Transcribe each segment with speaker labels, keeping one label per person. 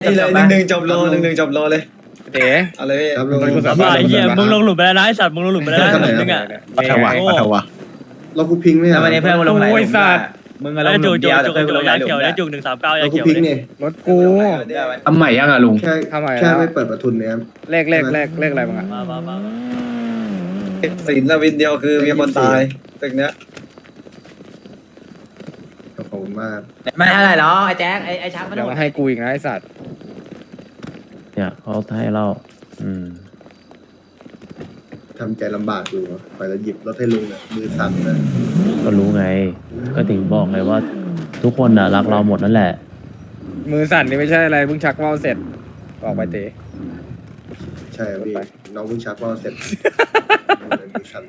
Speaker 1: นี่เลย1-1จบโล1-1จบโลเลย
Speaker 2: เต๋
Speaker 1: เอาเลยพี่
Speaker 3: ครับลุง
Speaker 4: ไอ้เหี้ยมึงลงหลุมไปแล้วนะไอ้สัตว์มึงลงหลุมไปแล้วนะหลุมนึงอ่ะ
Speaker 2: ปัทวะปัทวะ
Speaker 3: เราคุพิงค์เนี่ย
Speaker 5: แล้ววันนี้เพื่อนมึงลงไหน
Speaker 2: โอ้ยสัตว์
Speaker 5: มึงก็ลงหลุมเดียวแต่เพื่อนมึงลงหลายหลุม
Speaker 4: เขียว
Speaker 5: แล้
Speaker 4: ได้
Speaker 5: ว
Speaker 4: จุก139
Speaker 3: เรา
Speaker 4: ยา
Speaker 3: คุ
Speaker 4: เขียว
Speaker 3: พิงค์
Speaker 4: เลย
Speaker 3: เนี่ย
Speaker 2: รถกู
Speaker 5: ทำใหม่ยังอ่ะลุง
Speaker 3: แค่
Speaker 2: ทำไม
Speaker 3: แค่
Speaker 2: แล้ว
Speaker 3: ไม่เปิดประทุนเนี่ยครับ
Speaker 2: เลขอะไรมึงอ่ะ
Speaker 4: มา
Speaker 1: สินวินเดียวคือมีคนตายตึกเนี้ย
Speaker 3: ขอบคุณมาก
Speaker 5: ไม่เท่าไหร่หรอไอ้แจ๊คไอ้ชักมัน
Speaker 2: เดี๋ยวมาให้กูอีกนะไอ้สัตว์
Speaker 6: เนี่ยเขาให้เรา
Speaker 3: ทำใจลำบากอยู่ไปแล้วหยิบรถให้ลุงเนี่ยมือสั่นเลย
Speaker 6: ก็รู้ไง ก็ถึงบอกไงว่า ทุกคนน่ะรักเราหมดนั่นแหละ
Speaker 2: มือสั่นนี่ไม่ใช่อะไรเพิ่งชักว่าวเสร็จออกไปเต๋
Speaker 3: ใช่ครับพี่น้องเพิ่งชักว่าวเสร็จมือสั่น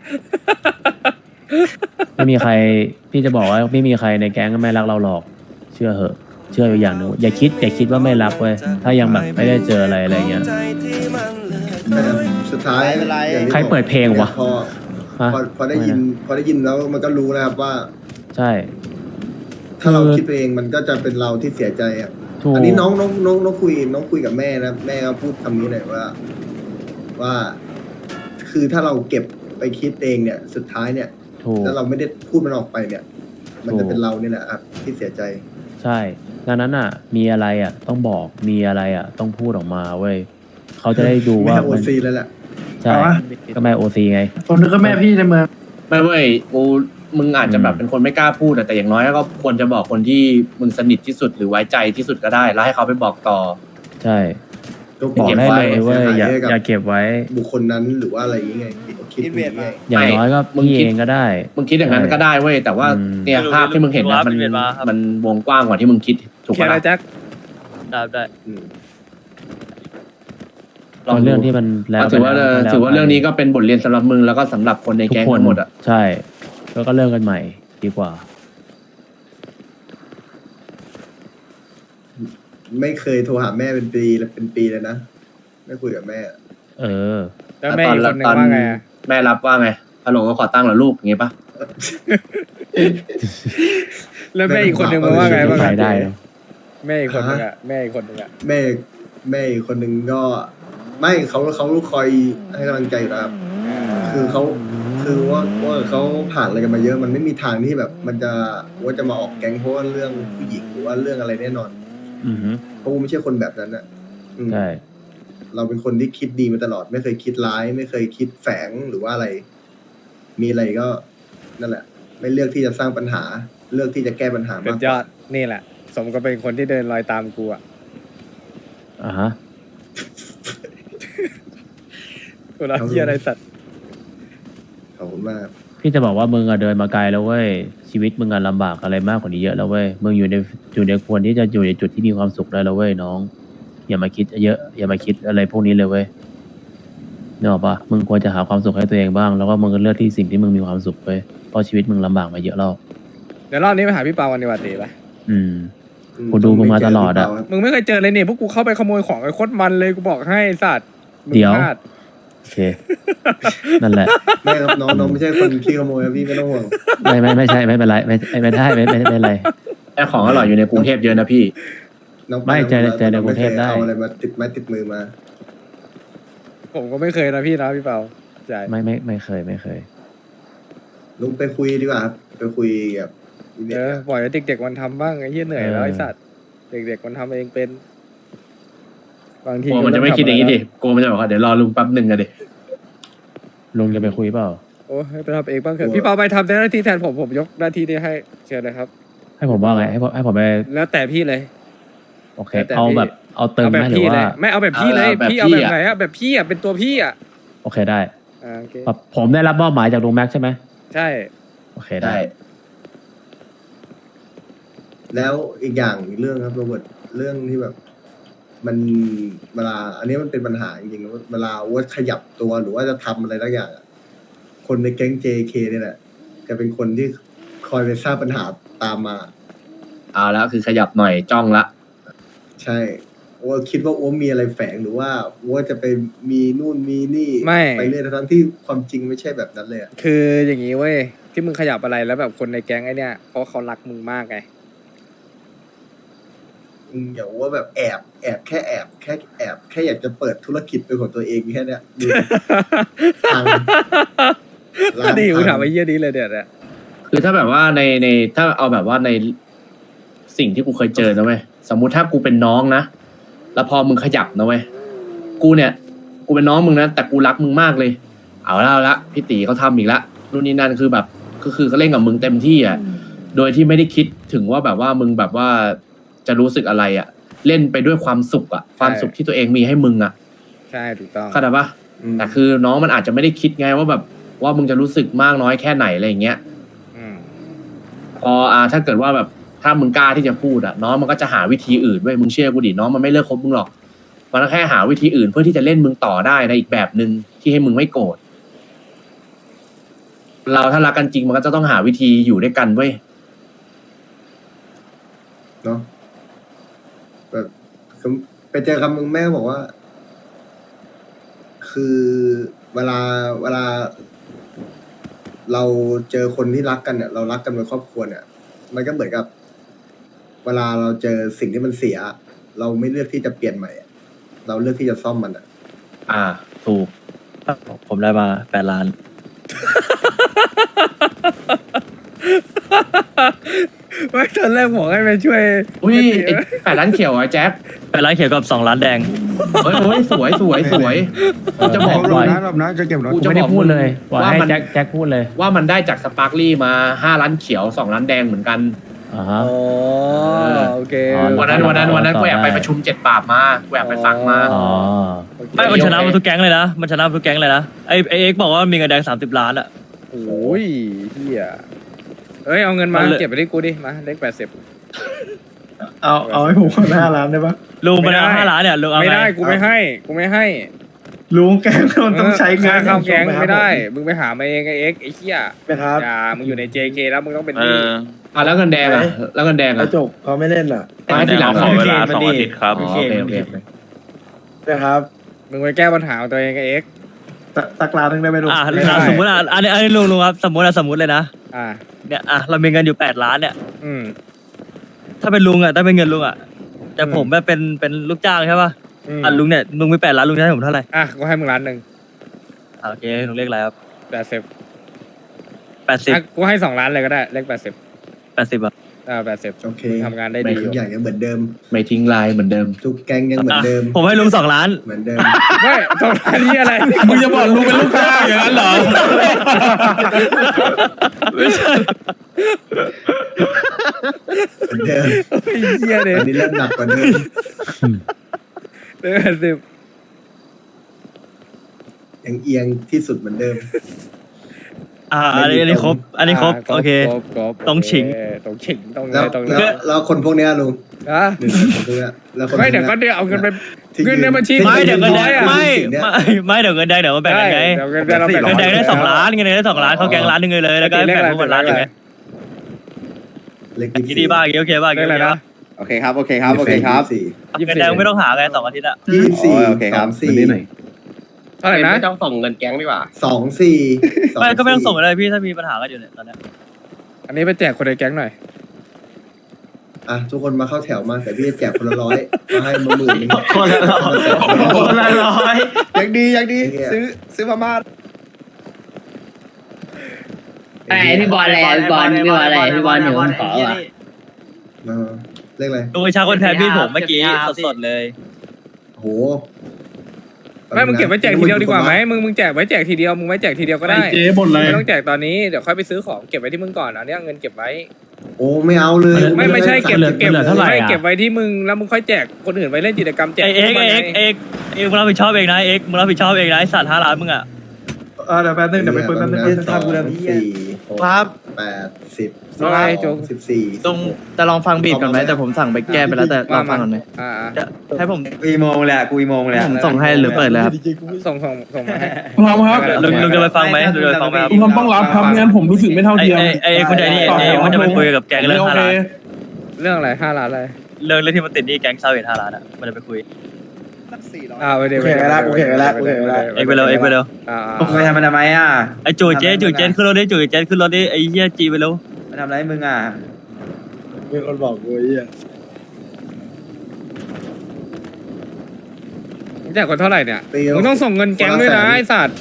Speaker 6: ไม่มีใครพี่จะบอกว่าไม่มีใครในแก๊งก็ไม่รักเราหรอก เชื่อเหอะ เชื่ออยู่อย่างหนึงอย่าคิดว่าไม่รักเว้ยถ้ายังแบบไม่ได้เจออะไรเงี้ย
Speaker 3: แต่สุดท้ายอย่างที่
Speaker 6: ใครเปิดเพลงวะ ฮะ
Speaker 3: พอได้ยินแล้วมันก็รู้แล้วครับว่า
Speaker 6: ใช่
Speaker 3: ถ้าเราคิดไปเองมันก็จะเป็นเราที่เสียใจอ่ะ
Speaker 6: ถูก
Speaker 3: อันนี้น้องคุยกับแม่นะแม่ก็พูดคำนี้เลยว่า คือถ้าเราเก็บไปคิดเองเนี่ย สุดท้ายเนี่ย
Speaker 6: ถูก
Speaker 3: ถ้าเราไม่ได้พูดมันออกไปเนี่ย มันจะเป็นเราเนี่ยแหละครับที่เสียใจ
Speaker 6: ใช่ดังนั้นอ่ะ มีอะไรอ่ะ ต้องบอกมีอะไรอ่ะ ต้องพูดออกมาเว้ยเขาจะได้ดู
Speaker 3: ไม่
Speaker 6: ว่า
Speaker 3: ให้โอซีแล้วแหละ
Speaker 6: ใช่ก็ไม่โอซีไง
Speaker 7: ผมนึกว่าแม่พี่ในเมือง
Speaker 8: ไม่เว้ยกูมึงอาจจะแบบเป็นคนไม่กล้าพูดแต่อย่างน้อยก็ควรจะบอกคนที่มึงสนิทที่สุดหรือไว้ใจที่สุดก็ได้ แล้วให้เขาไปบอกต่อ
Speaker 6: ใช่
Speaker 3: ก็
Speaker 6: บอกได้เลยเว้ยอย่า
Speaker 3: ให้กับ
Speaker 6: อย่าเก็บไว้
Speaker 3: บุคคลนั้นหรือว่าอะไรอย่างเงี้ยคิดอย่างเงี้ย
Speaker 6: อย่างน้อยก็
Speaker 8: มึง
Speaker 6: พี่
Speaker 8: คิด
Speaker 6: เองก็ได้
Speaker 8: มึงคิดอย่างนั้นก็ได้เว้ยแต่ว่า
Speaker 6: อืม
Speaker 8: เนี่ยภาพที่มึงเห็นนะมันวงกว้างกว่าที่มึงคิดถูก
Speaker 2: เขีย
Speaker 8: ปะ
Speaker 2: นอะไร
Speaker 8: ล่ะ
Speaker 2: แจ็ค
Speaker 4: ได้
Speaker 3: อืม
Speaker 8: ลอง
Speaker 6: เรื่
Speaker 8: ดู
Speaker 6: องที่มันแล้ว
Speaker 8: ถือว่า
Speaker 6: ไปแล้ว
Speaker 8: ถือว่าเรื่องนี้ก็เป็นบทเรียนสำหรับมึงแล้วก็สำหรับคนใน
Speaker 6: ทุก
Speaker 8: แก๊ง
Speaker 6: คน
Speaker 8: ทั้งหมดอ่ะ
Speaker 6: ใช่ แล้วก็เลิกกันใหม่ดีกว่า
Speaker 3: ไม่เคยโทรหาแม่เป็นปีเลยนะไม่คุยกับแม่
Speaker 6: เออ
Speaker 2: แล้วแม่อีกคนหนึ่งว่าไงอะ
Speaker 8: แม่รับว่าไงฮัลโหลก็ขอตั้งเหรอลูกอย่างงี้ปะ
Speaker 2: แล้วแม่อีกคนหนึ่งมาว่าไงบ้าง
Speaker 6: ไป
Speaker 2: อะ
Speaker 6: ได้เนอะ
Speaker 2: แม่อีกคนหนึ่งอะแม่อีกคนหนึ่งอะ
Speaker 3: แม่อีกคนหนึ่งก็ ไม่เขาคอยให้กำลังใจอยู่แล้วครับคือเขาคือว่าเขาผ่านอะไรกันมาเยอะมันไม่มีทางที่แบบ มันจะว่าจะมาออกแก๊งเพราะว่าเรื่องผู้หญิงหรือว่าเรื่องอะไรแน่นอน
Speaker 6: อือฮึ
Speaker 3: เพราะกูไม่ใช่คนแบบนั้นอ่ะอืม
Speaker 6: ใช่
Speaker 3: เราเป็นคนที่คิดดีมาตลอด ไม่เคยคิดร้าย ไม่เคยคิดแฝงหรือว่าอะไร มีอะไรก็นั่นแหละ ไม่เลือกที่จะสร้างปัญหา เลือกที่จะแก้ปัญหา
Speaker 2: สุ
Speaker 3: มาก
Speaker 2: ด
Speaker 3: ก
Speaker 2: ยอ
Speaker 3: ว่า
Speaker 2: ดนี่แหละ สมก็เป็นคนที่เดินรอยตามกูอะ
Speaker 6: อ่าฮะ
Speaker 2: กูรักเหี้ยอะไรสัตว์
Speaker 3: ขอบคุณมาก
Speaker 6: พี่จะบอกว่ามึงอะเดินมาไกลแล้วเว้ยชีวิตมึงอะลำบากอะไรมากกว่านี้เยอะแล้วเว้ยมึงอยู่ในควรที่จะอยู่ในจุดที่มีความสุขได้แล้วเว้ยน้อง อย่ามาคิดเยอะ อย่ามาคิดอะไรพวกนี้เลยเว้ยนึกออกปะมึงควรจะหาความสุขให้ตัวเองบ้างแล้วก็มึงก็เลือกที่สิ่งที่มึงมีความสุขเว้ยเพราะชีวิตมึงลำบากมาเยอะแล้ว
Speaker 2: เดี๋ยวรอบนี้ไปหาพี่เปาวันดีกว่าเต๋ปะ
Speaker 6: อืม กูดูมึงมาตลอดอะ
Speaker 2: มึงไม่เคยเจอเลยเนี่ยพวกกูเข้าไปขโมยของไอ้โคตรมันเลยกูบอกให้ไอ้สัตว์มึง
Speaker 6: เดี๋ยว
Speaker 2: พลาด
Speaker 6: โอเค นั่นแหละ
Speaker 3: ไม่ครับน้องไม่ใช่คนขี้ขโมยครับพี่ไม่ต้องห่วง
Speaker 6: ไม่ใช่ไม่เป็นไรไม่ได้ไม่เป็นไร
Speaker 8: ไอ้ของอร่อยอยู่ในกรุงเทพเยอะนะพี่
Speaker 3: น้อง
Speaker 6: ไม่เจอในกรุงเทพได้
Speaker 3: เอาอะไรมาติดไม้ติดมือมา
Speaker 2: ผมก็ไม่เคยนะพี่นะพี่เปาใช่
Speaker 6: ไม่เคย
Speaker 3: ลุงไปคุยดีกว่าครับไปคุยกับพี่เด็ก
Speaker 2: ปล่อยให้เด็กๆมันทำบ้างไอ้เหี้ยเหนื่อยแล้วไอ้สัตว์เด็กๆมันทำเองเป็นบางที
Speaker 8: กลัวมันจะไม่คิดอย่างนี้ดิกลัวมันจะบอกว่าเดี๋ยวรอลุงแป๊บหนึ่งอะดิ
Speaker 6: ลุงจะไปคุยเปล่า
Speaker 2: โอ้ให้ไปทำเองบ้างเถอะพี่เปาไปทำหน้าที่แทนผมยกหน้าที่นี้ให้เชิญเลยครับ
Speaker 6: ให้ผมว่าไงให้ผมไป
Speaker 2: แล้วแต่พี่เลย
Speaker 6: โอเค
Speaker 2: แต่
Speaker 6: เอา
Speaker 2: พี่
Speaker 6: แบบเอาเติม
Speaker 2: เอา
Speaker 6: ไห
Speaker 2: แบ
Speaker 6: ม
Speaker 2: บ
Speaker 6: หรื
Speaker 2: พี่
Speaker 6: อ
Speaker 2: เลย
Speaker 6: ว่า
Speaker 2: ไม่เอาแบบพี่เลยพี่เอาแบบไหนอะแบบพี่อะเป็นตัวพี่อะ
Speaker 6: โอเคได้
Speaker 2: โอเค
Speaker 6: แบบผมได้รับมอบหมายจากลุงแม็กซ์ใช่ไหม
Speaker 2: ใช่
Speaker 6: โอเคได้
Speaker 3: แล้วอีกอย่างอีกเรื่องครับโรเบิร์ตเรื่องที่แบบ มันเวลา อันนี้มันเป็นปัญหาจริงๆนะเวลาว่าขยับตัวหรือว่าจะทำอะไรสักอย่างอะคนในแก๊ง JK เนี่ยแหละจะเป็นคนที่คอยไปสร้างปัญหาตามมา
Speaker 8: เอาแล้วคือขยับหน่อยจ้องละ
Speaker 3: ใช่ว่าคิดว่าอ้วมีอะไรแฝงหรือว่าว่าจะไปมีนู่นมีนี่
Speaker 2: ไม่
Speaker 3: ไปเรื่อยทั้งที่ความจริงไม่ใช่แบบนั้นเลยอะ
Speaker 2: คืออย่างนี้เว้ยที่มึงขยับอะไรแล้วแบบคนในแก๊งไอ้เนี่ยเพราะเขารักมึงมากไง
Speaker 3: อย่าว่าแบบแอบแค่อยากจะเปิดธุรกิจเป็นของตัวเองแค่เนี้ยดูทางร้าน
Speaker 2: ดีกู
Speaker 3: ทาง
Speaker 2: ถามไอ้เหี้ยนี้เลยเนี่ย
Speaker 8: คือถ้าแบบว่าในถ้าเอาแบบว่าในสิ่งที่กูเคยเจอนะเว้ยสมมุติถ้ากูเป็นน้องนะแล้วพอมึงขยับนะเว้ยกูเป็นน้องมึงนะแต่กูรักมึงมากเลยเอาละพี่ตีเขาทำอีกละนู่นนี่นั่นคือแบบก็คือเขาเล่นกับมึงเต็มที่อ่ะโดยที่ไม่ได้คิดถึงว่าแบบว่ามึงแบบว่าจะรู้สึกอะไรอ่ะเล่นไปด้วยความสุขอ่ะความสุขที่ตัวเองมีให้มึงอ่ะ
Speaker 2: ใช่ถูกต้อง
Speaker 8: เข้าใจปะแต่คือน้องมันอาจจะไม่ได้คิดไงว่าแบบว่ามึงจะรู้สึกมากน้อยแค่ไหนอะไรอย่างเงี้ย
Speaker 2: ม
Speaker 8: พอถ้าเกิดว่าแบบถ้ามึงกล้าที่จะพูดน้องมันก็จะหาวิธีอื่นเว้ยมึงเชื่อกูดิน้องมันไม่เลิกคบมึงหรอกมันก็แค่หาวิธีอื่นเพื่อที่จะเล่นมึงต่อได้ในอีกแบบหนึ่งที่ให้มึงไม่โกรธเราถ้ารักกันจริงมันก็จะต้องหาวิธีอยู่ด้วยกันเว้ย
Speaker 3: เนาะแบบไปเจอคำมึงแม่บอกว่า คือเวลาเราเจอคนที่รักกันเนี่ย เรารักกันเป็นครอบครัวเนี่ย มันก็เหมือนกับ เวลาเราเจอสิ่งที่มันเสีย เราไม่เลือกที่จะเปลี่ยนใหม่อะเราเลือกที่จะซ่อมมันอ่ะ
Speaker 8: ถูก
Speaker 4: ผมได้มา8 ล้าน
Speaker 2: ไม่ตอนแรกบอกให้ไปช่วย
Speaker 8: อุ้ยไอ้8 ล้านเขียวไอ้แจ็ค
Speaker 4: 8 ล้านเขียวกับ2 ล้านแดง
Speaker 8: เฮ้ยสวยกูจะบอก
Speaker 2: ร
Speaker 8: เล
Speaker 2: อบ
Speaker 8: ย
Speaker 2: นะรอบนะจะเก็บรถ
Speaker 8: กู
Speaker 6: กู
Speaker 8: จะ
Speaker 6: ไม่
Speaker 8: บ
Speaker 6: ได้
Speaker 8: อก
Speaker 6: พูดเลยว่า
Speaker 8: ว่า
Speaker 6: ให้
Speaker 8: มัน
Speaker 6: แจ็คพูดเลย
Speaker 8: ว่ามันได้จากสปาร์คลี่มา5 ล้านเขียว2 ล้านแดงเหมือนกัน
Speaker 6: อ่าฮะ
Speaker 2: อ๋อโอเค
Speaker 8: วันนั้นกูแอบไปประชุม7 ปราบมากูแอบไปฟังมา
Speaker 6: อ๋อ
Speaker 4: ไม่มันชนะมาทุกแก๊งเลยนะมันชนะมาทุกแก๊งเลยนะไอเอ็กซ์บอกว่ามีเงินแดง30 ล้านอ่ะ
Speaker 2: โอ้ยเฮียเอ้ยเอาเงินมา
Speaker 4: มันเลย
Speaker 2: เก็บไปที่กูดิมาเลข80
Speaker 7: เอาให้ผมคน5 ล้านได้ปะ
Speaker 4: ลุงไปแล้ว5 ล้านเนี่ยลุงเอา
Speaker 2: ไม่
Speaker 4: ไง
Speaker 2: ได้กูไม่ให้
Speaker 7: ลุงแกงมันต้องใช้เงิน
Speaker 2: ค่าเข้าแก๊งไม่ได้ มึงไปหามาเองไอ้เอ็กไอ้เหี้ย
Speaker 7: นะครับ
Speaker 2: อย่ามึงอยู่ใน JK แล้วมึงต้องเป็นหนี้
Speaker 8: แล้วเงินแดงแล้วเงินแดง
Speaker 7: กระจกเขาไม่เล่นอ่ะ
Speaker 8: ให้ทีหลัง
Speaker 5: ขอเวลา2 อาทิตย์ครับ
Speaker 8: โอเค
Speaker 7: นะครับ
Speaker 2: มึงไปแก้ปัญหาของตัวเองไอ้เอ็ก
Speaker 7: สักล้านนึงได้ไหมลุง
Speaker 4: ไม่ได้สมมติอันนี้ลุงครับสมมติเลยนะ
Speaker 2: อ่า
Speaker 4: เนี่ยเรามีเงินอยู่8 ล้านเนี่ย
Speaker 2: อืม
Speaker 4: ถ้าเป็นลุงถ้าเป็นเงินลุงแต่ผมเป็นลูกจ้างใช่ป่ะลุงเนี่ยลุงมี8 ล้านลุงจะให้ผมเท่าไหร่
Speaker 2: อ่ะกูให้มึง1 ล้าน
Speaker 4: โอเคลุงเรียกอะไรครับ
Speaker 2: 80
Speaker 4: 80
Speaker 2: กูให้2 ล้านเลยก็ได้เลข80
Speaker 4: 80 อ่ะ
Speaker 2: 80
Speaker 3: โอเค
Speaker 2: มึงทำงานได้
Speaker 3: ไม่
Speaker 2: ดีอ
Speaker 3: ทุ
Speaker 2: ยู่
Speaker 3: กอย่างยังเหมือนเดิม
Speaker 8: ไม่ทิ้งลายเหมือนเดิม
Speaker 3: ทุกแก๊งยังเหมือนเดิม
Speaker 4: ผมให้ลุง2 ล้าน
Speaker 3: เหมือนเดิม
Speaker 2: ไม่2 ล้านนี่อะไร
Speaker 7: มึงจะบอกลุงเป็นลูกจ้างอย่างนั้นเหรอ
Speaker 3: เหมือนเดิม
Speaker 2: ไอ้เหี้ยเนี่ย
Speaker 3: อันนี้เริ่มหนักกว่าเดิม
Speaker 2: เลข80
Speaker 3: ยังเอียงที่สุดเหมือนเดิม
Speaker 4: อันนี้ครบโอเค
Speaker 2: ครบ
Speaker 4: ต้องฉิง
Speaker 2: ต้องฉิงต้อง
Speaker 3: แล้ว
Speaker 2: ต้อง
Speaker 3: แล้วคนพวกเนี้ยลุง
Speaker 2: อ่ะ
Speaker 3: หนึ่งคนพวกเนี้ยแล้วคนพว
Speaker 2: ไม่
Speaker 3: ก
Speaker 2: เดี๋ยวก็
Speaker 3: เนี้ย
Speaker 2: เดี๋ยวเอาเงินไป
Speaker 3: ที่
Speaker 2: เงินในบัญชี
Speaker 3: ที่
Speaker 4: ไม่เดี๋ยวเงินแดง
Speaker 3: ยืน
Speaker 4: ไม่
Speaker 3: สิ่งเนี้ย
Speaker 4: ไม่เดี๋ยวเงินแดงเดี๋ยวมาแบ่งกันไง
Speaker 2: เดี๋ยวเงินแดงเราแบ่ง
Speaker 4: เงินแดงได้2 ล้านเงินแดงได้2 ล้านเข้าแกงล้านหนึงเลยแล้วก็แบ่งพวกมันล้านหนึงไง
Speaker 3: เลข
Speaker 4: คิดดีบ้างโอเคบ้าง
Speaker 2: เลขอะไรนะ
Speaker 5: โอเคครับ โอเคครับ โอเคครับ
Speaker 4: เงินแดงไม่ต้องหาไง2 อาทิตย์อะ
Speaker 3: 24
Speaker 5: โอเคครับ
Speaker 3: 24
Speaker 2: เท่าไหร่นะ
Speaker 5: ไม่ต้องส่งเงินแก๊งดีกว่า
Speaker 3: 24
Speaker 4: ไม่ก็ไม่ต้องส่งอะไรพี่ถ้ามีปัญหากันอยู่เนี่ยตอนนี้
Speaker 2: อันนี้ไปแจกคนในแก๊งหน่อย
Speaker 3: อ่ะทุกคนมาเข้าแถวมาแต่พี่จะแจกคนละ100มาให้มา10,000นึง
Speaker 5: คนละร้อย
Speaker 3: ยังดีซื้อมาม่า
Speaker 9: ไอพี่บอลอะไรพี่บอลอยู่บนขอว่ะ
Speaker 3: เลขอะไร
Speaker 4: ลุงไอชาคนแทนพี่ผมเมื่อกี้สดๆเลย
Speaker 3: โห
Speaker 2: ไม่มึงเก็บไว้แจกทีเดียวดีกว่าไหมมึงแจกไว้แจกทีเดียวมึงไว้แจกทีเดียวก็ได้
Speaker 7: เจ๊บ่นเลย
Speaker 2: ไม่ต้องแจกตอนนี้เดี๋ยวค่อยไปซื้อของเก็บไว้ที่มึงก่อนอันนี้เงินเก็บไว้
Speaker 3: โอ้ไม่เอาเลย
Speaker 2: ไม่ใช่เก็บ
Speaker 6: เหลือเท่าไหร่
Speaker 2: ไม่
Speaker 6: อะ
Speaker 2: เก็บไว้ที่มึงแล้วมึงค่อยแจกคนอื่นไปเล่นกิจกรรมแจก
Speaker 4: เอ็กมึงรับผิดชอบเองนะเอ็กมึงรับผิดชอบเองนะไอสัตว์5 ล้านมึงอะ
Speaker 7: เดี๋ยวแป๊บนึงเดี๋ยวไปคุยแป๊บนึง
Speaker 3: ทำกูแล้วพี่ครับ80
Speaker 2: อะไรโจ๊ก
Speaker 3: 14
Speaker 5: ตรงจะลองฟังบีทก่อนไหมแต่ผมสั่งไปแก้ไปแล้วแต่ลองฟังก่อนไหม
Speaker 2: อ่า
Speaker 5: ให้ผมอีโมงเลยกูอีโมงเลยผมส่งให้หรือเปิดเลยครับ
Speaker 2: ส่งมาให้
Speaker 7: พร้อมครับ
Speaker 4: ลุงจะไปฟังไหมลุงจะไปฟังไหมครับ
Speaker 7: ลุงต้องรับครับไม่งั้นผมรู้สึกไม่เท่าเทียม
Speaker 4: ไอคนใจนี่เอ็กมันจะไปคุยกับแก๊งเรื่อง
Speaker 7: โอ
Speaker 4: 5
Speaker 7: เค
Speaker 4: ล้าน
Speaker 2: เรื่องอะไร5 ล้านอะไร
Speaker 4: เรื่องที่มันติดหนี่แก๊งซาเวท5 ล้านอะมันจะไปคุย
Speaker 2: ไปเดี๋ยว
Speaker 7: โอเคไปแล้วโอเคไปแล้วโอเคไปแล้ว
Speaker 4: เอ็กไปเร็ว
Speaker 2: อ่า
Speaker 5: ไปทำมันทำไมอ่ะ
Speaker 4: ไอจูเจนขึ้นรถดิจูเจนขึ้นรถดิไอเหี้ยจีไปเร็ว
Speaker 5: มาทำอะไรมึงอ่ะ
Speaker 7: มีคนบอกกูไอ้เหี้ย
Speaker 2: แจกคนเท่าไหร่เนี่ย
Speaker 3: ปีละ
Speaker 2: มึงต้องส่งเงินแก๊งด้วยนะ
Speaker 3: คนละแสน
Speaker 2: ไอ้สัตว์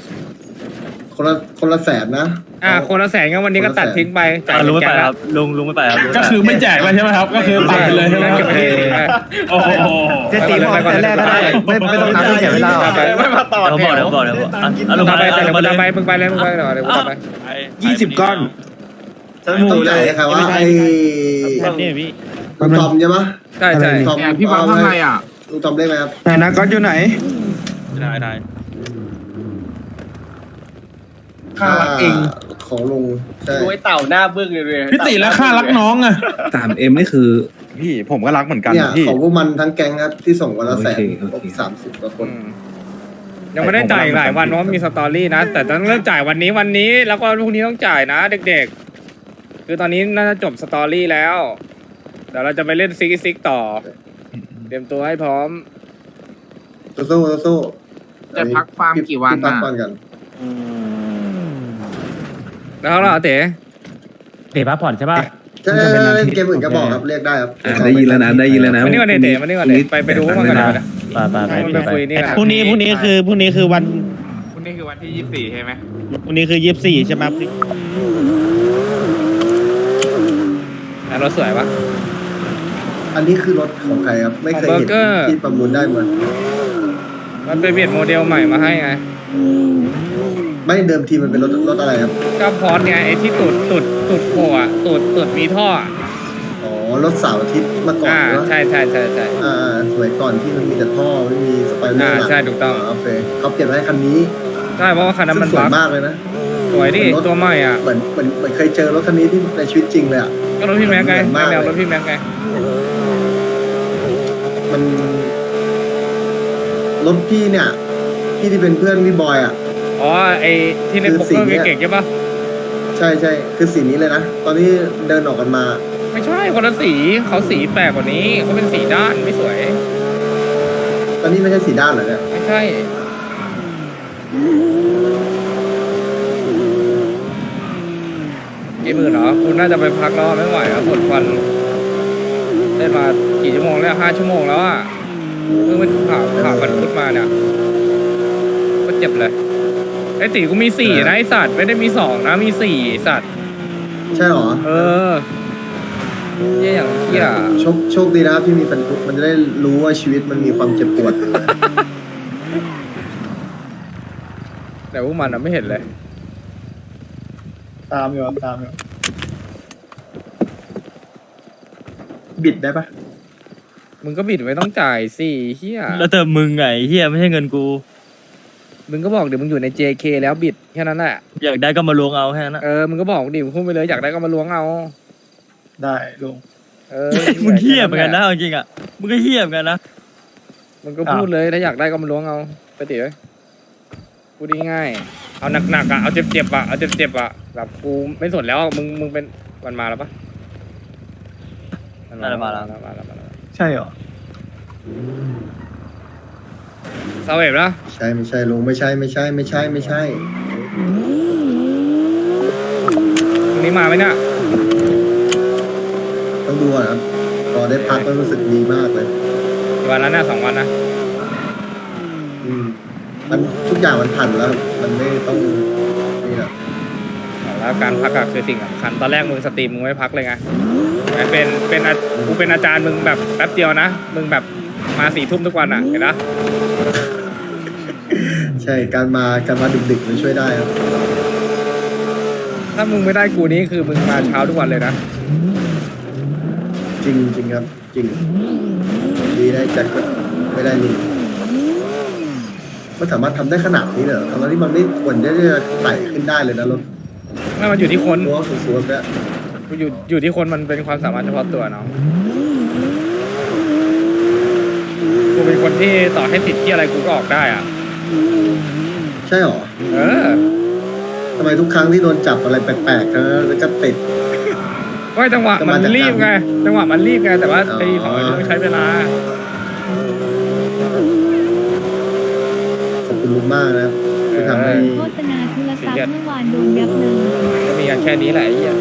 Speaker 3: คนละแสนนะ
Speaker 2: คนละแสนงั้นวันนี้ก็ตัดทิ้งไปจ่าย
Speaker 4: ลุงไม่ไป
Speaker 2: แก๊
Speaker 4: ครับลุงไม่ไปครับ
Speaker 7: ก็คือไม่แจกแล้วใช่ไหมครับ ก็คือตัดไปเลยใช่ไหมครับ
Speaker 2: เก็บไปทิ้งไป
Speaker 7: โอ้โห
Speaker 5: จะตีพอแต่แรกก็ได้ไม่ต้องทำให้เสียเวลา
Speaker 4: ไม่มาต่อเดี๋ยวบอกลุง
Speaker 2: มึง
Speaker 4: มา
Speaker 2: ไป
Speaker 4: เลย
Speaker 2: มึง
Speaker 4: มาเลย
Speaker 2: ไปมึงไปเลยมึงไปเดี๋ยวกูไป
Speaker 7: 20 ก้อน
Speaker 3: ต้องจ่ายให้ใครว่าไอ้
Speaker 4: นี่พี่
Speaker 3: ลุงทอมใช่ปะ
Speaker 2: ใช่ใช่
Speaker 3: ลุงทอม
Speaker 7: พี่บังข้างในอ่ะ
Speaker 3: ลุงทอมได้ไหมครับ
Speaker 7: ไหนนะก้อนอยู่ไหน
Speaker 4: ได้
Speaker 7: ค่ารักเอง
Speaker 3: ของลุงใช่
Speaker 8: ไอ้เต่าหน้าบึ้งเลย
Speaker 7: พี่ติแล้วค่ารักน้องอ่ะ
Speaker 5: 3M นี่คือพี่ผมก็รักเหมือนกัน
Speaker 3: เนี่ย
Speaker 5: พี่
Speaker 3: ของพวกมันทั้งแก๊งครับที่ส่งวันละแสน
Speaker 5: โอเค
Speaker 3: 30กว่าคน
Speaker 2: ยังไม่ได้จ่ายอีกหลายวันเพราะมีสตอรี่นะ แต่ต้องเริ่มจ่ายวันนี้แล้วก็พรุ่งนี้ต้องจ่ายนะเด็กๆ คือตอนนี้น่าจะจบสตอรี่แล้ว เดี๋ยวเราจะไปเล่นซิกต่อ เตรียมตัวให้พร้อม
Speaker 3: สู้
Speaker 7: จะพักฟาร์มกี่วัน
Speaker 3: พัก
Speaker 7: น่ะ
Speaker 3: ก่อนกัน
Speaker 2: แล้วเราเต๋
Speaker 6: เตะพักผ่อนใช่ป่ะ
Speaker 3: ใช่เล่นเกมอื่นก็บอกครับเรียกได้ครับ
Speaker 5: ได้ยินแล้วนะได้ยินแล้วนะ
Speaker 2: มานี่ก่อนเต๋มานี่ก่อนไปดูพวกมันก่อนนะ
Speaker 6: ไป
Speaker 2: ไปคุยนี่กัน
Speaker 4: พรุ่งนี้คือวัน
Speaker 7: พรุ่งนี้คือวันที่ 24 ใช่ไหม
Speaker 4: พรุ่งนี้คือ24ใช่ไหม
Speaker 2: รถสวยปะ
Speaker 3: อันนี้คือรถของใครครับไม่เคย
Speaker 2: ของ
Speaker 3: เห็น
Speaker 2: Burger
Speaker 3: ที่ประมูลได้เหมือน
Speaker 2: มันเป็นเปลี่ยนโมเดลใหม่มาให้ไง
Speaker 3: ไม่เดิมทีมันเป็นรถอะไรครับ
Speaker 2: ก็พอดไงไอ้ที่ตูดโผล่อะตูดมีท่ออะ
Speaker 3: อ๋อรถเสาร์อาทิตย์มาก่อนนะ
Speaker 2: ใช่
Speaker 3: สมัยก่อนที่มันมีแต่ท่อไม่มีสไปเดอร์หลัง
Speaker 2: ใช่ถูกต้อง
Speaker 3: โอเคเขาเปลี่ยนมาให้คันนี้
Speaker 2: ใช่เพราะว่าคันนั้น
Speaker 3: ซึ่
Speaker 2: มั
Speaker 3: ง
Speaker 2: น
Speaker 3: สวย
Speaker 2: บั๊ก
Speaker 3: มากเลยนะ
Speaker 2: สวยดิตัวใหม่อ่ะ
Speaker 3: เหมือนเคยเจอรถคันนี้ที่ในชีวิตจริงเลยอ่ะ
Speaker 2: ก็รถพี่แม็กไง
Speaker 3: เหมือนมาก
Speaker 2: แนวรถพี่แม็กไง
Speaker 3: มันรถพี่เนี่ยพี่ที่เป็นเพื่อนพี่บอยอ่ะ
Speaker 2: อ๋อไอ้ที่ใน
Speaker 3: คือ
Speaker 2: ปก
Speaker 3: สี
Speaker 2: เกอร์
Speaker 3: เนี่ย
Speaker 2: เก่งๆใช่ปะ
Speaker 3: ใช่คือสีนี้เลยนะตอนที่เดินออกกันมา
Speaker 2: ไม่ใช่คนละสีเขาสีแปลกกว่านี้เขาเป็นสีด้านไม่สวย
Speaker 3: ตอนนี้ไม่ใช่สีด้านเหรอเนี่ย
Speaker 2: ไม่ใช่กี่หมื่นเหรอคุณน่าจะไปพักแล้วไม่ไหวแล้วปวดฟันได้มากี่ชั่วโมงแล้ว5 ชั่วโมงแล้วอ่ะเพิ่งเป็นข่าวบันทึกมาเนี่ยก็เจ็บเลยไอ้ตีกูมี4นะไอ้สัตว์ไม่ได้มี2นะมี4ไอ้สัตว์
Speaker 3: ใช่เหรอ
Speaker 2: เออเยี่ยอย่างเที่ย
Speaker 3: โชคดีนะครับที่มีแฟนคุกมันจะได้รู้ว่าชีวิตมันมีความเจ็บปวด
Speaker 2: แต่พวกมันอะไม่เห็นเลย
Speaker 7: ตามอยู่บิดได้ปะ
Speaker 2: มึงก็บิดไม่ต้องจ่ายสิเฮีย
Speaker 4: แล้วแต่มึงไงเฮียไม่ใช่เงินกู
Speaker 2: มึงก็บอกเดี๋ยวมึงอยู่ใน JK แล้วบิดแค่นั้นแหละ
Speaker 4: อยากได้ก็มาลวงเอาแค่นั้นนะ
Speaker 2: มึงก็บอกดิมึงพูดไปเลยอยากได้ก็มาล้วงเอา
Speaker 7: ได้ลุง
Speaker 4: มึงเฮียเหมือนกันนะเอาจริงอ่ะมึงก็เฮียเหมือนกันนะ
Speaker 2: มึงก็พูดเลยถ้าอยากได้ก็มาล้วงเอาไปเดี๋ยวพูดง่ายๆเอาหนักๆอ่ะเอาเจ็บๆอ่ะเอาเจ็บๆอ่ะแบบกูไม่สนแล้วมึงเป็นมันมาแล้วปะมาแล้ว
Speaker 7: ใช่เหรอ
Speaker 2: เซาเวฟแล้ว
Speaker 3: ใช่ไม่ใช่ลุงไม่ใช่
Speaker 2: พรุ่งนี้มาไหมเนี่ย
Speaker 3: ต้องดูก่อนครับพอได้พักก็รู้สึกดีมากเลย
Speaker 2: กี่วันแล้วเนี่ย2 วันนะ
Speaker 3: มันทุกอย่างมันผ่านแล้ว มันไม่ต้องนี่หรอก
Speaker 2: แล้วการพักอะคือสิ่งสำคัญตอนแรกมึงสตรีมมึงไม่พักเลยไงกูเป็นอาจารย์มึงแบบแป๊บเดียวนะมึงแบบมา4 ทุ่มทุกวันอะเห็นปะ
Speaker 3: ใช่การมาดึกๆมันช่วยได้ครับ
Speaker 2: ถ้ามึงไม่ได้กูนี่คือมึงมาเช้าทุกวันเลยนะ
Speaker 3: จริงครับ จริง ดีได้จัดก็ไม่ได้ลุงมันสามารถทำได้ขนาดนี้เลยเหรอทั้งที่มันไม่ควรจะไต่ขึ้นได้เลยนะรถ
Speaker 2: ไม่มันอยู่ที่คน
Speaker 3: ตัวสูงๆแบบ
Speaker 2: อยู่ที่คนมันเป็นความสามารถเฉพาะตัวเนาะกูเป็นคนที่ต่อให้ติดที่อะไรกูก็ออกได้อ่ะ
Speaker 3: ใช่หรอ ทำไมทุกครั้งที่โดนจับอะไรแปลกๆแล้วก็ติด
Speaker 2: ก็จังหวะมันรีบไงแต่ว่าไอ้ของมันต้องใช้เวลา
Speaker 3: ขอบคุณลุงมากนะครับที่ทำให้
Speaker 10: โฆษณาโทรศัพท์เมื่อวานโดนยับเลย
Speaker 2: ก็มีกันแค่นี้แหละไอ้เหี้ย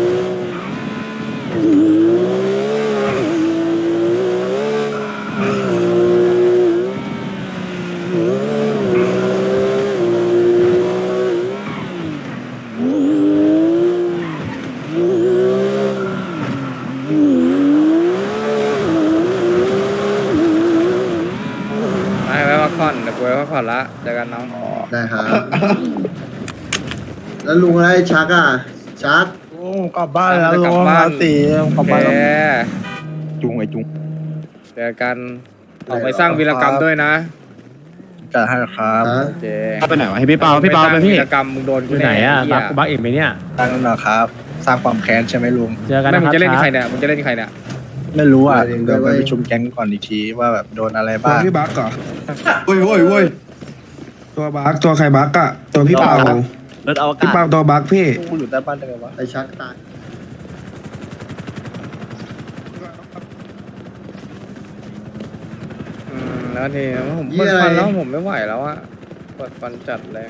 Speaker 2: ผ่อนเดี๋ยวกูไปพักผ่อนละเจอกันน้อง
Speaker 3: ได้ครับ แล้วลุงอะไรชักอ่ะ ชัก
Speaker 7: กลับบ้านแล้ว
Speaker 2: ก
Speaker 7: ลุ
Speaker 2: ลับ
Speaker 7: ง
Speaker 2: บ้าน
Speaker 7: ตีกลับ
Speaker 2: โอ
Speaker 7: บ้าน
Speaker 2: เค
Speaker 7: จุงไอ้จุง
Speaker 2: เจอกันออกไปสร้างวีรกรรมด้วยนะ
Speaker 7: จัดให้ครับ
Speaker 3: ฮะ
Speaker 2: โอเค
Speaker 5: ไปไหนวะให้พี่เปาพี่เปาไปพี่
Speaker 2: วีรกรรมมึงโดน
Speaker 6: อ
Speaker 2: กู
Speaker 6: ยู่
Speaker 2: แน่
Speaker 6: ไหนอ่ะ
Speaker 2: เหี้ย
Speaker 6: บักเอกไหมเนี่ย
Speaker 7: ตั้งแล้วครับ สร้างความแค้นใช่ไหมลุง
Speaker 6: เจอกัน
Speaker 2: ไม่
Speaker 6: นะ
Speaker 2: มึ
Speaker 6: ค
Speaker 2: ง
Speaker 6: รับ
Speaker 2: จะเล่นใคร
Speaker 6: ช้า
Speaker 2: เนี่ยมึงจะเล่นใครเนี่ย
Speaker 7: ไม่รู้อ่ะ
Speaker 3: เดี๋
Speaker 7: เดี๋
Speaker 3: ย
Speaker 7: ยว ว
Speaker 3: ไป
Speaker 7: ไปประชุมแก๊งก่อนอีกทีว่าแบบโดนอะไร
Speaker 11: ตัว
Speaker 7: บ้าง
Speaker 11: พี่บักเหรอ
Speaker 7: โว้ยโว้ยโว้ย
Speaker 11: ตัวบักตัวใครบักอะตัวพี่เปาร
Speaker 4: ถอว
Speaker 11: พี่
Speaker 4: กาศ
Speaker 11: เปาตัวบักพี่
Speaker 7: กูอยู่ใต้บ้านได้ไงวะ
Speaker 3: ไอ้ชักตาย
Speaker 2: แล้วทีผม
Speaker 3: เหี้
Speaker 2: ปวย ด
Speaker 3: อะไร
Speaker 2: ฟันแล้วผมไม่ไหวแล้วอะปวดฟันจัดเลย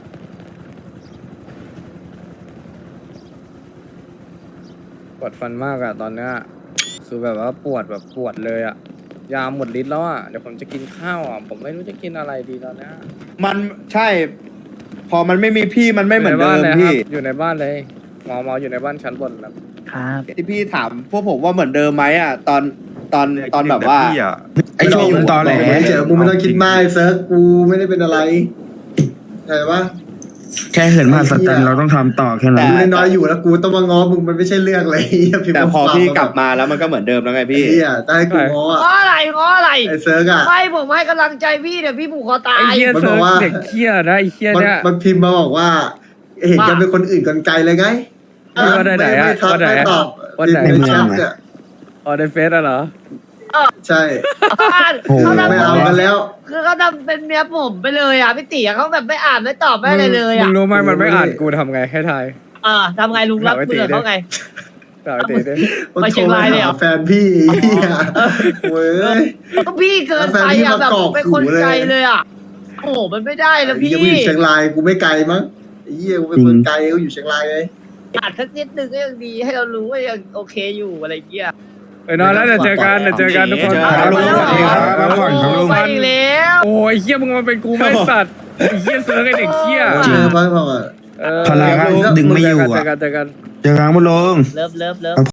Speaker 2: ปวดฟันมากอะตอนเนี้ยคือแบบว่าปวดเลยอะยาหมดฤทธิ์แล้วอะเดี๋ยวผมจะกินข้าวอะผมไม่รู้จะกินอะไรดีตอนเนี้ย
Speaker 5: มันใช่ พอมันไม่มีพี่มันไม่เหมือนเดิม
Speaker 2: ยู่ใบ้าลย
Speaker 5: พี่
Speaker 2: ครับอยู่ในบ้านเลยหมออยู่ในบ้านชั้นบนครับ
Speaker 5: ที่พี่ถามพวกผมว่าเหมือนเดิมไหมอ่ะตอนแบบว่า
Speaker 11: ไอ้โชคมันตอแหล
Speaker 3: เจอกูไม่ต้องคิดมากไอ้เซิร์ฟกูไม่ได้เป็นอะไรใช่ปะ
Speaker 11: แค่เห็นมหัศจรรย์เราต้องทำต่อแค่นั้น
Speaker 3: กูน้อยๆอยู่แล้วกูต้องมาง้อมึงมันไม่ใช่เรื่องเลยพิมพ์
Speaker 5: แต่พอ
Speaker 3: ข้อความ
Speaker 5: พี่กลับมาแล้วมันก็เหมือนเดิมแล้วไง
Speaker 3: ไอ้
Speaker 5: พี่
Speaker 3: เหี้ยได้ให้กูง้ออ่ะ
Speaker 9: ง้ออะไรง้ออะไร
Speaker 3: ไอ้เซิร์ฟอ่ะ
Speaker 9: ไม่ผมให้กำลังใจพี่เดี๋ยวพี่ผูกคอตา
Speaker 2: ไอ้
Speaker 9: ย
Speaker 2: เหี้ย
Speaker 3: มัน
Speaker 2: เซิ
Speaker 3: บอ
Speaker 2: ร์
Speaker 3: ก
Speaker 2: ฟ
Speaker 3: ว่า
Speaker 2: เด็กเหี้ยนะไอ้เหี้ย
Speaker 3: มัน
Speaker 2: เนี่ย
Speaker 3: มันพิมพ์มาบอกว่า เห็นกันเป็นคนอื่นกันไกลเลยไง
Speaker 2: ว่าได้ไหนอะ
Speaker 3: ไม่ทัก
Speaker 2: ว่าไหน
Speaker 3: ไม่ตอบ
Speaker 2: ว่าไหน
Speaker 3: ในแชทเนี่ย
Speaker 2: อ๋อในเฟซอะเหรอ
Speaker 3: ใช่
Speaker 9: เขาทำ
Speaker 3: ไม่เอากันแล้ว
Speaker 9: คือเขาทำเป็นเมียผมไปเลยอ่ะพี่ติ๋เขาแบบไม่อ่านไม่ตอบไม่อะไรเลย
Speaker 2: มึ
Speaker 9: อ่ะ
Speaker 2: งรู้ไหมมันไม่อ่านกูทำไงให้ทาย
Speaker 9: ทำไงลุงรับเบื่อเขาไง
Speaker 2: ต่อไปตีดิ
Speaker 9: ไปเชียงรายเลยเหรอ
Speaker 3: แฟนพี่ไอ้เหี้ยเว้ย
Speaker 9: ก็พี่เกินไปอ่ะแบบเป็นคนใจเลยอ่ะโอ้โหมันไม่ได้แล้วพี่
Speaker 3: ไอ้เหี้ยกูอยู่เชียงรายกูไม่ไกลมั้งไอ้เหี้ยกูเป็นคนไกลกูอยู่เชียงรายเลย
Speaker 9: อ่านสักนิดนึงก็ยังดีให้เรารู้ว่ายังโอเคอยู่อะไรเงี้ย
Speaker 2: นอนแล้วเดี๋ยวเจอกันทุกคน
Speaker 11: เจอกันลุงสวัสดีครับพักผ่อนครับลุง
Speaker 9: ไปอีกแล้ว
Speaker 2: โอ้ยเหี้ยมึงมาเป็นกูไม่สัตว์ไอ้เหี้ยเสือไอ้เด็กเหี้ย
Speaker 3: เจอบ้างเปล่าอ่ะ
Speaker 2: เออ
Speaker 11: พลังดึงไม่อยู่
Speaker 2: เจ
Speaker 11: อ่ะ
Speaker 2: อกัน
Speaker 11: เจอกันบุญลง
Speaker 9: เลิฟ